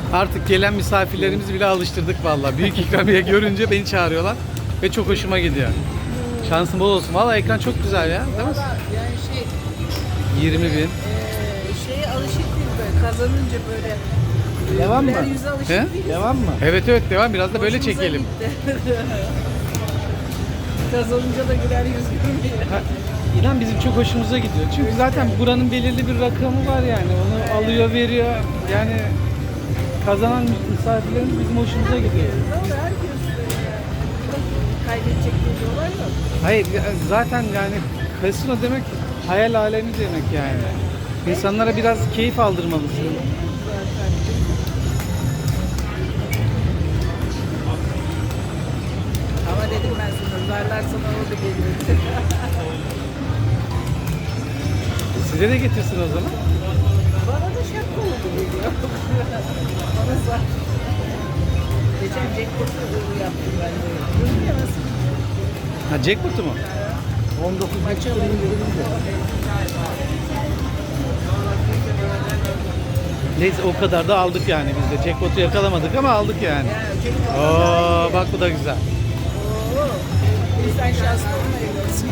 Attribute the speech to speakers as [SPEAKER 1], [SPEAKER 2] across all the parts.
[SPEAKER 1] Artık gelen misafirlerimizi bile alıştırdık vallahi. Büyük ikramiye görünce beni çağırıyorlar ve çok hoşuma gidiyor. Şansın bol olsun. Vallahi ekran çok güzel ya, değil mi?
[SPEAKER 2] Yani
[SPEAKER 1] 20 bin.
[SPEAKER 2] şeye alışık değil böyle. Kazanınca böyle.
[SPEAKER 3] Devam mı?
[SPEAKER 2] Güler yüze alışık
[SPEAKER 1] He?
[SPEAKER 2] değil.
[SPEAKER 3] Devam mı?
[SPEAKER 1] Evet evet, devam. Biraz da böyle
[SPEAKER 2] Hoşumuza
[SPEAKER 1] çekelim.
[SPEAKER 2] gitti. Kazanınca da güler yüz görmüyor.
[SPEAKER 1] Ha, İnan bizim çok hoşumuza gidiyor. Çünkü zaten buranın belirli bir rakamı var yani. Onu alıyor, veriyor. Yani kazanan misafirlerimiz bizim hoşumuza gidiyor.
[SPEAKER 2] Doğru, herkes kaybedecek bir olay yok.
[SPEAKER 1] Hayır zaten yani kasino demek hayal alemi demek yani. İnsanlara biraz keyif aldırmalısın.
[SPEAKER 2] Ama dedim ben sana, zarlar sana orada geliyor.
[SPEAKER 1] Size de getirsin o zaman.
[SPEAKER 2] Bana da şaka oldu geliyor. Bana zar. Geçen jackpot'u yaptım ben de. Görünüyor nasıl?
[SPEAKER 1] Ha, jackpot'u mu?
[SPEAKER 3] 19 maçı indirimde.
[SPEAKER 1] Neyse o kadar da aldık yani biz de. Jackpot'u yakalamadık ama aldık yani. Oo, bak bu da güzel.
[SPEAKER 2] Oo, insan şanslı olmayabilirsin.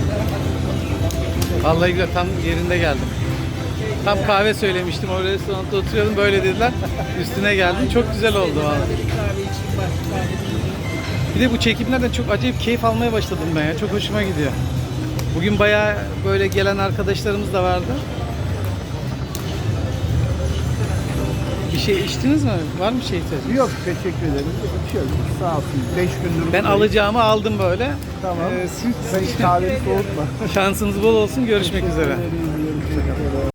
[SPEAKER 1] Vallahi güzel, tam yerinde geldim. Tam kahve söylemiştim, o restoranda oturuyordum, böyle dediler. Üstüne geldim. Çok güzel oldu vallahi.
[SPEAKER 2] Bir kahve içeyim bak.
[SPEAKER 1] Bir de bu çekimlerden çok acayip keyif almaya başladım ben ya. Çok hoşuma gidiyor. Bugün bayağı böyle gelen arkadaşlarımız da vardı. Bir şey içtiniz mi? Var mı şey ihtiyacınız?
[SPEAKER 3] Yok, teşekkür ederim. İçiyoruz. Sağ olsun. 5 gündür
[SPEAKER 1] Ben alacağımı aldım böyle.
[SPEAKER 3] Tamam.
[SPEAKER 1] Siz
[SPEAKER 3] Sen hiç kahveni soğutma.
[SPEAKER 1] şansınız bol olsun. Görüşmek üzere.
[SPEAKER 3] Görüşmek üzere.